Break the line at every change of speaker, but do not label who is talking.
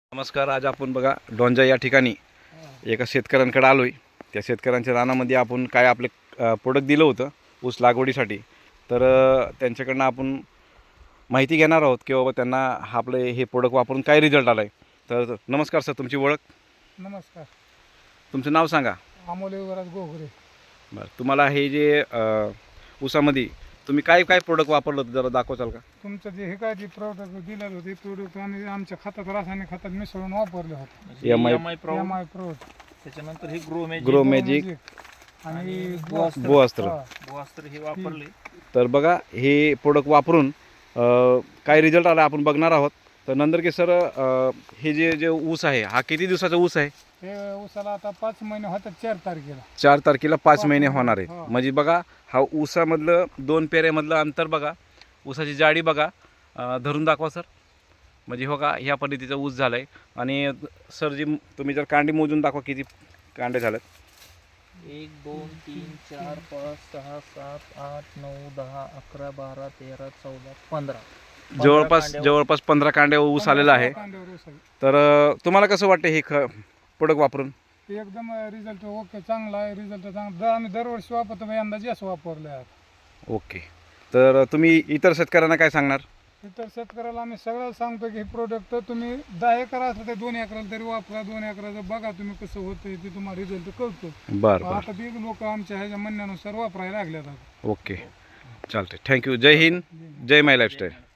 नमस्कार. आज आपण बघा डोंजा या ठिकाणी एका शेतकऱ्यांकडे आलो आहे. त्या शेतकऱ्यांच्या रानामध्ये आपण काय आपले प्रोडक्ट दिलं होतं ऊस लागवडीसाठी. तर त्यांच्याकडनं आपण माहिती घेणार आहोत की बाबा त्यांना आपले हे प्रोडक्ट वापरून काय रिझल्ट आला आहे. तर नमस्कार सर, तुमची ओळख?
नमस्कार.
तुमचं नाव सांगा.
अमोल युवराज गोगरे.
बरं, तुम्हाला हे जे ऊसामध्ये तुम्ही काय काय प्रोडक्ट वापरलं होतं जरा दाखवचाल का?
तुमचं जे हे काय जे प्रोडक्ट दिलं होतं ते प्रोडक्ट आम्ही आमच्या खतात रासायनिक खतात मिसळून वापरले होते.
एम
एम आय प्रो,
त्याच्यानंतर हे
ग्रो मॅजिक
आणि
गोअस्त्र
हे वापरले.
तर बघा हे प्रोडक्ट वापरून काय रिझल्ट आला आपण बघणार आहोत. तर नंदरके सर, हे जे ऊस आहे हा किती दिवसाचा ऊस आहे?
हे ऊसाला आता 5 महिने होतात. 4 तारखेला
4 तारखेला 5 महिने होणार
हो.
आहेत. म्हणजे बघा हा ऊसामधलं 2 पेऱ्यामधलं अंतर बघा, ऊसाची जाडी बघा, धरून दाखवा सर. म्हणजे हो का ह्या पद्धतीचा ऊस झाला आहे. आणि सर जी तुम्ही जर कांडे मोजून दाखवा किती कांडे झालेत.
1 2 3 4 5 6 7 8 9 10 11 12 13 14 15
जवळपास 15 कांडे ऊस आलेला आहे. तर तुम्हाला कसं वाटतं हे प्रोडक्ट वापरून?
एकदम रिझल्ट ओके, चांगला आहे. रिझल्ट चांगला. आम्ही दरवर्षी वापरतो, यंदा जास्त वापरले आहे.
ओके. तर तुम्ही इतर शेतकऱ्यांना काय सांगणार?
इतर शेतकऱ्याला आम्ही सगळं सांगतो की हे प्रोडक्ट तुम्ही 10 एकर असलं तर 2 एकराला तरी वापरा. 2 एकराचं बघा तुम्ही कसं होतं ते तुम्हाला रिझल्ट कळतो.
बरं.
आता बी लोक आमच्या ह्याच्या म्हणण्यानुसार वापरायला लागल्यात.
ओके, चालते. थँक्यू. जय हिंद, जय माय लाईफस्टाईल.